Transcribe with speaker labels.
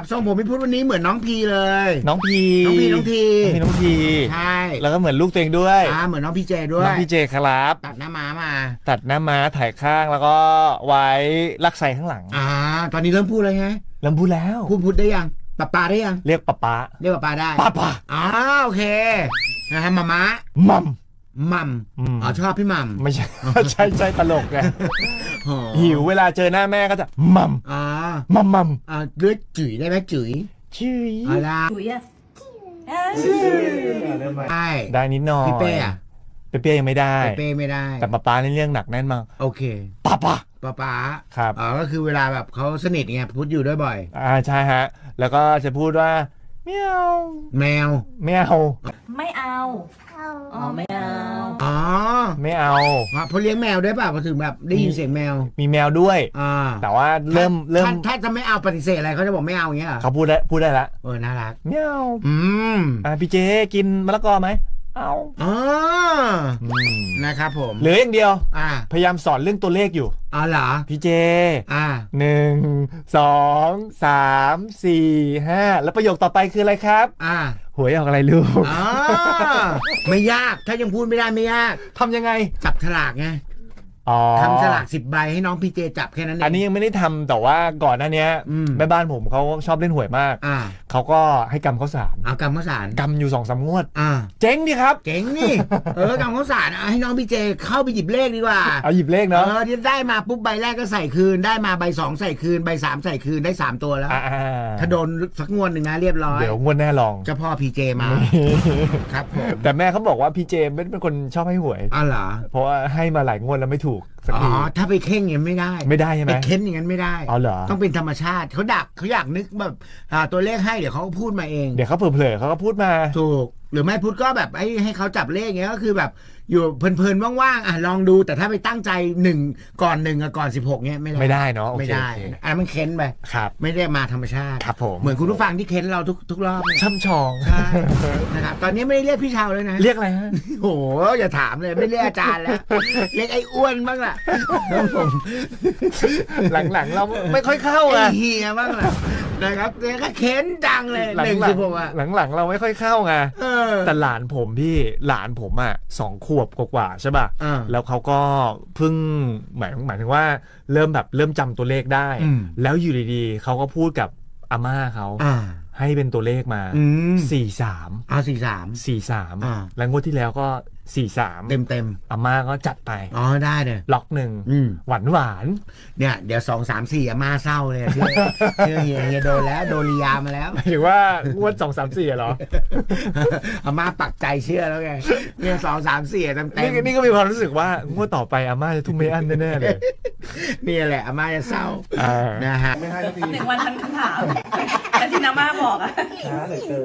Speaker 1: ทรงผมพี่พุทธวันนี้เหมือนน้องพีเลย
Speaker 2: น้องพี
Speaker 1: น้องพีใช่
Speaker 2: แล้วก็เหมือนลูกตัวเองด้วย
Speaker 1: เหมือนน้องพี่เจด้วย
Speaker 2: น้องพี่เจครับ
Speaker 1: ตัดหน้าม้ามา
Speaker 2: ตัดหน้าม้าถ่ายข้างแล้วก็ไว้ลักไซข้างหลัง
Speaker 1: ตอนนี้เริ่มพูดเลยไง
Speaker 2: เริ่มพูดแล้ว
Speaker 1: พูดได้ยังปาได้ยัง
Speaker 2: เรียกป๊า
Speaker 1: เรียกป๊าได้
Speaker 2: ป๊า
Speaker 1: โอเคนะฮะมาม้ามัมชอบพี่มัม
Speaker 2: ไม่ใช่ใช่ตลกไงหิวเวลาเจอหน้าแม่ก็จะมัม
Speaker 1: เลือดจุ๋ยได้ไหมจุ๋ยอะไร
Speaker 3: จุ๋ย
Speaker 2: ได้นิดหน่อย
Speaker 1: พี่เป้
Speaker 2: ยังไม่ได้
Speaker 1: เป้ไม่ได้
Speaker 2: แต่ป๊าในเรื่องหนักแน่นมาก
Speaker 1: โอเค
Speaker 2: ป๊า
Speaker 1: ครับก็คือเวลาแบบเขาสนิทไงพูดอยู่ด้วยบ่อย
Speaker 2: ใช่ฮะแล้วก็จะพูดว่าแมว
Speaker 1: ไม่เอา
Speaker 3: ไม่เอาไม่เอา
Speaker 2: ไม่เอา
Speaker 1: เพราะเลี้ยงแมวด้วยป่ะพอถึงแบบได้ยินเสียงแมว
Speaker 2: มีแมวด้วยแต่ว่าเริ่ม
Speaker 1: ถ้าจะไม่เอาปฏิเสธอะไรเขาจะบอกไม่เอาอย่างเงี้ย
Speaker 2: เขาพูดได้ละ
Speaker 1: น่ารัก
Speaker 2: แมวพี่เจกินมะละกอไหมเอา
Speaker 1: นะครับผม
Speaker 2: เหลืออย่างเดียวพยายามสอนเรื่องตัวเลขอยู่
Speaker 1: เหรอ
Speaker 2: พี่เจ1 2 3 4 5แล้วประโยคต่อไปคืออะไรครับหวยออกอะไรลูก
Speaker 1: ไม่ยากถ้ายังพูดไม่ได้ไม่ยาก
Speaker 2: ทำยังไง
Speaker 1: จับฉลากไงทำฉลาก10 ใบให้น้องพี่เจจับแค่นั้นเอง
Speaker 2: อันนี้ยังไม่ได้ทำแต่ว่าก่อนหน้านี้แม่บ้านผมเขาชอบเล่นหวยมากเขาก็ให้กำข้าวสาร
Speaker 1: กำข้าวสาร
Speaker 2: กำอยู่2-3 งวดเจ๊งดิครับ
Speaker 1: เจ๊งนี่กำข้าวสารให้น้องพี่เจเข้าไปหยิบเลขดีกว่า
Speaker 2: เอาหยิบเลขเนาะ
Speaker 1: ที่ได้มาปุ๊บใบแรกก็ใส่คืนได้มาใบ2ใส่คืนใบ3ใส่คืนได้3ตัวแล้วถ้าโดนสักงวดหนึ่งนะเรียบร้อย
Speaker 2: เดี๋ยวงวดแน่ลอง
Speaker 1: เจ้าพ่อพี่เจมาครับผม
Speaker 2: แต่แม่เขาบอกว่าพี่เจเป็นคนชอบให้หวย
Speaker 1: เหรอ
Speaker 2: เพราะว่าให้มาหลายงวดแล้วไม่ถูก
Speaker 1: ถ้าไปเข่งอย่างนั้นไม่ได้
Speaker 2: ใช่ไหม
Speaker 1: ไปเค้นอย่างนั้นไม่ได้
Speaker 2: เหรอ
Speaker 1: ต้องเป็นธรรมชาติเขาอยากนึกแบบตัวเลขให้เดี๋ยวเขาพูดมาเอง
Speaker 2: เดี๋ยวเขาเผลอๆเขาก็พูดมา
Speaker 1: ถูกหรือไม่พูดก็แบบให้เขาจับเลขเงี้ยก็คือแบบอยู่เพลินๆว่างๆลองดูแต่ถ้าไปตั้งใจ1ก่อน1กับก่อน16เงี้ย
Speaker 2: ไม่ได้เนาะ
Speaker 1: ไม่ได้อันมันเค้นไปไม่ได้มาธรรมชาติ
Speaker 2: ครับผม
Speaker 1: เหมือนคุณผู้ฟังที่เค้นเราทุกรอบ
Speaker 2: ช่ำชอง
Speaker 1: นะครับตอนนี้ไม่ได้เรียกพี่ชาวเลยนะ
Speaker 2: เรียกอะไรฮะ
Speaker 1: โอ้โหอย่าถามเลยไม่เรียกอาจารย์แล้วเรียกไอ้อ้วนบ้างล่ะ
Speaker 2: หลังๆเราไม่ค่อยเข้าไ
Speaker 1: อ้เฮียบ้างล่ะนะครับเรียกเค้นจังเลย1-16
Speaker 2: หลังๆเราไม่ค่อยเข้าไงแต่หลานผม2 ขวบกว่าใช่ป่ะแล้วเขาก็เพิ่งหมายถึงว่าเริ่มจำตัวเลขได้แล้วอยู่ดีๆเขาก็พูดกับอาม่าเขาให้เป็นตัวเลขมา43แล้วงวดที่แล้วก็43
Speaker 1: เต็ม
Speaker 2: อาม่าก็จัดไป
Speaker 1: ได้เลย
Speaker 2: ล็อก1หวาน
Speaker 1: เนี่ยเดี๋ยว2 3 4อาม่าเศร้าเลยเชื่อเฮียโดนแล้วโดนลียามาแล้ว
Speaker 2: หรือว่างวด2 3 4เหรอ
Speaker 1: อาม่าปักใจเชื่อแล้วไงเนี่ย2 3 4เต็ม
Speaker 2: นี่ก็มีความรู้สึกว่างวดต่อไปอาม่าจะทุ่มไม่อั้นแน่ๆเลย
Speaker 1: นี่แหละอาม่าจะเศร้านะฮะ
Speaker 3: 1 วันทันคำถามแต่ที่อาม่าบอก